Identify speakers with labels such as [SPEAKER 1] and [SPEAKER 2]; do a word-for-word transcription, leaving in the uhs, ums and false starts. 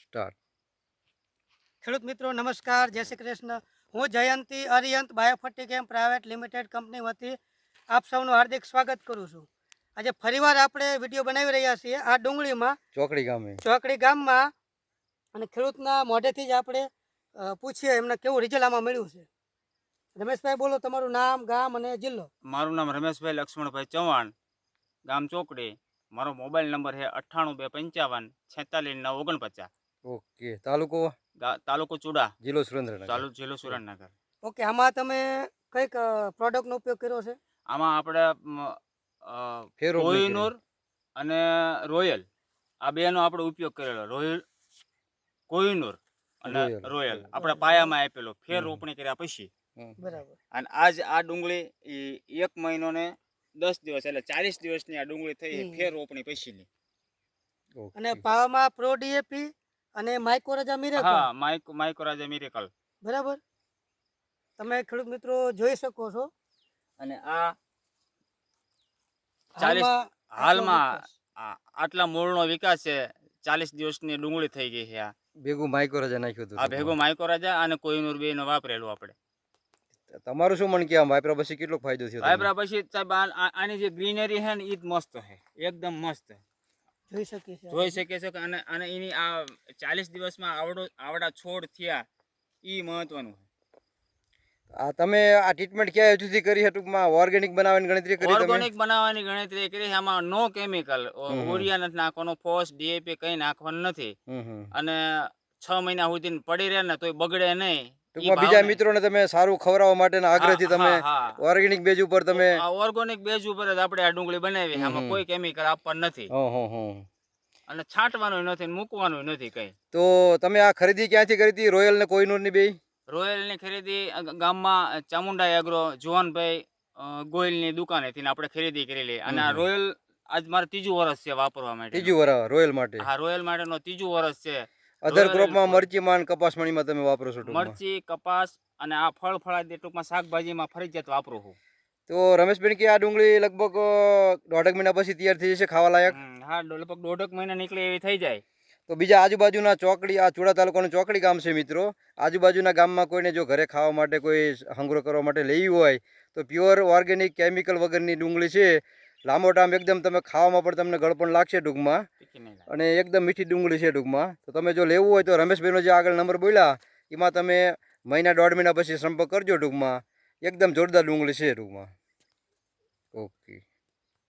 [SPEAKER 1] Start.
[SPEAKER 2] ખેડૂત મિત્રો નમસ્કાર, જય શ્રી કૃષ્ણ. હું Jayanti Ariyant Biofertichem private limited company વતી આપ સૌનું હાર્દિક સ્વાગત કરું છું. આજે ફરીવાર આપણે વિડીયો બનાવી રહ્યા છીએ આ ડુંગળીમાં
[SPEAKER 1] ચોકડી ગામે
[SPEAKER 2] ચોકડી ગામમાં, અને ખેડૂતના મોઢેથી જ આપણે અ, પૂછીએ એમને કેવું રિઝલ્ટ આમાં મળ્યું છે. રમેશભાઈ બોલો, તમારું નામ, ગામ અને જિલ્લો.
[SPEAKER 3] મારું નામ રમેશભાઈ લક્ષ્મણભાઈ ચૌહાણ, ગામ ચોકડી. મારો મોબાઈલ નંબર છે અઠ્ઠાણું બે પંચાવન છેતાલીસ નવ ઓગણપચાસ.
[SPEAKER 1] ઓકે. તાલુકો
[SPEAKER 3] તાલુકો ચુડા,
[SPEAKER 1] જિલ્લો સુરેન્દ્રનગર.
[SPEAKER 3] ચાલુ જિલ્લો સુરેન્દ્રનગર.
[SPEAKER 2] ઓકે, આમાં તમે કઈક પ્રોડક્ટનો ઉપયોગ કર્યો છે?
[SPEAKER 3] આમાં આપણે
[SPEAKER 1] ફેર રોગ નહીં
[SPEAKER 3] કોહિનૂર અને રોયલ આ બેનો આપણે ઉપયોગ કરેલો. રોયલ કોહિનૂર અને
[SPEAKER 1] રોયલ.
[SPEAKER 3] રોયલ આપણે પાયામાં આપેલો ફેર રોપણી કર્યા પછી.
[SPEAKER 1] હમ.
[SPEAKER 2] બરાબર.
[SPEAKER 3] અને આજ આ ડુંગળી ઈ એક મહિનો ને દસ દિવસ એટલે ચાલીસ દિવસની આ ડુંગળી થઈ છે
[SPEAKER 2] હમ.
[SPEAKER 3] ફેર રોપણી પછીની.
[SPEAKER 1] ઓકે.
[SPEAKER 2] અને પાવામાં પ્રો ડીએપી અને માઇક્રોરજા મિરેકલ.
[SPEAKER 3] હા, માઇકો માઇકોરાજા મિરેકલ.
[SPEAKER 2] બરાબર. તમે ખેડૂત મિત્રો જોઈ શકો છો.
[SPEAKER 3] અને આ ચાલીસ
[SPEAKER 2] હાલમાં
[SPEAKER 3] હાલમાં
[SPEAKER 2] આટલો વિકાસ.
[SPEAKER 3] આ- આટલા મૂળનો વિકાસ છે. ચાલીસ દિવસની ડુંગળી થઈ ગઈ છે. આ
[SPEAKER 1] ભેગું માઇક્રો રજા નાખ્યું હતું
[SPEAKER 3] આ ભેગો માઇકોરાજા અને કોહિનૂર બે નો વાપરેલું આપણે.
[SPEAKER 1] તમારું શું મન કે આમ વાપરા પછી કેટલો ફાયદો થયો તમને?
[SPEAKER 3] વાપરા પછી સાહેબ આ- આ- આની જે ગ્રીનરી છે ને ઈ જ મસ્ત છે, એકદમ મસ્ત
[SPEAKER 2] જોઈ શકીએ છીએ.
[SPEAKER 3] જોઈ શકે છે. કે અને અને એની આ ચાલીસ દિવસમાં આવડો આવડા છોડ થયા ઈ મહત્વનું છે.
[SPEAKER 1] આ તમે આ ટ્રીટમેન્ટ ક્યાં સુધી કરી છે? ટૂંકમાં ઓર્ગેનિક બનાવવાની ગણતરી કરી તમે?
[SPEAKER 3] ઓર્ગેનિક બનાવવાની ગણતરી કરી છે. આમાં નો કેમિકલ, યુરિયા નથી નાખવાનો, ફોસ ડીએપી કઈ નાખવાનું નથી.
[SPEAKER 1] હમ હમ.
[SPEAKER 3] અને છ મહિના સુધી પડી રહે ને તોય બગડે નહીં. ઈ
[SPEAKER 1] ટૂંકમાં બીજા
[SPEAKER 3] ભાવને-
[SPEAKER 1] મિત્રોને તમે સારું ખવડાવવા માટેના આગ્રહથી
[SPEAKER 3] હા,
[SPEAKER 1] તમે
[SPEAKER 3] હા, હા.
[SPEAKER 1] ઓર્ગેનિક બેજ ઉપર તમે
[SPEAKER 3] આ ઓર્ગેનિક બેઝ ઉપર જ આપણે આ ડુંગળી બનાવી.
[SPEAKER 1] હમ,
[SPEAKER 3] આમાં
[SPEAKER 1] હમ.
[SPEAKER 3] કોઈ કેમિકલ આપવાનું નથી
[SPEAKER 1] હં હં હં.
[SPEAKER 3] અને છાંટવાનું નથી ને મૂકવાનું નથી કઈ.
[SPEAKER 1] તો તમે આ ખરીદી ક્યાંથી કરી હતી, રોયલ ને કોહિનૂરની બે?
[SPEAKER 3] રોયલ ની ખરીદી અ ગ- ગામમાં ચામુંડા એગ્રો જુવાનભાઈ અ, ગોયલની દુકાનેથી ને આપણે ખરીદી કરેલી. અને આ
[SPEAKER 1] હમ.
[SPEAKER 3] રોયલ આજ મારે ત્રીજું વર્ષ છે વાપરવા માટે.
[SPEAKER 1] ત્રીજું વરા રોયલ માટે.
[SPEAKER 3] હા, રોયલ માટેનો ત્રીજું વર્ષ છે.
[SPEAKER 1] અધર
[SPEAKER 3] રોયલ
[SPEAKER 1] ક્રોપમાં
[SPEAKER 3] કોઈ-
[SPEAKER 1] મરચીમાં કપાસમણીમાં તમે વાપરો છો ટૂંકમાં?
[SPEAKER 3] મરચી, કપાસ અને આ ફળ ફળાદી ટૂંકમાં શાકભાજીમાં ફરજિયાત વાપરું છું.
[SPEAKER 1] તો રમેશબેન કે આ ડુંગળી લગભગ અ, દોઢેક મહિના પછી તૈયાર થઈ જશે ખાવા લાયક?
[SPEAKER 3] હમ, હા, દો- લગભગ દોઢક મહિના નીકળે એવી થઈ જાય.
[SPEAKER 1] તો બીજા આજુબાજુના ચોકડી, આ ચુડા તાલુકાનું ચોકડી ગામ છે મિત્રો. આજુબાજુના ગામમાં કોઈને જો ઘરે ખાવા માટે કોઈ સંગ્રહ કરવા માટે લેવી હોય તો પ્યોર ઓર્ગેનિક કેમિકલ વગરની ડુંગળી છે. લાંબો ટાઈમ એકદમ તમે ખાવામાં પણ તમને ગળપણ લાગશે ટૂંકમાં,
[SPEAKER 3] તીખી નહીં લાગે.
[SPEAKER 1] અને એકદમ મીઠી ડુંગળી છે ટૂંકમાં. તો તમે જો લેવું હોય તો રમેશભાઈનો જે આગળ નંબર બોલ્યા એમાં તમે મહિના દોઢ મહિના પછી સંપર્ક કરજો ટૂંકમાં. એકદમ જોરદાર ડુંગળી છે ટૂંકમાં. ઓકે.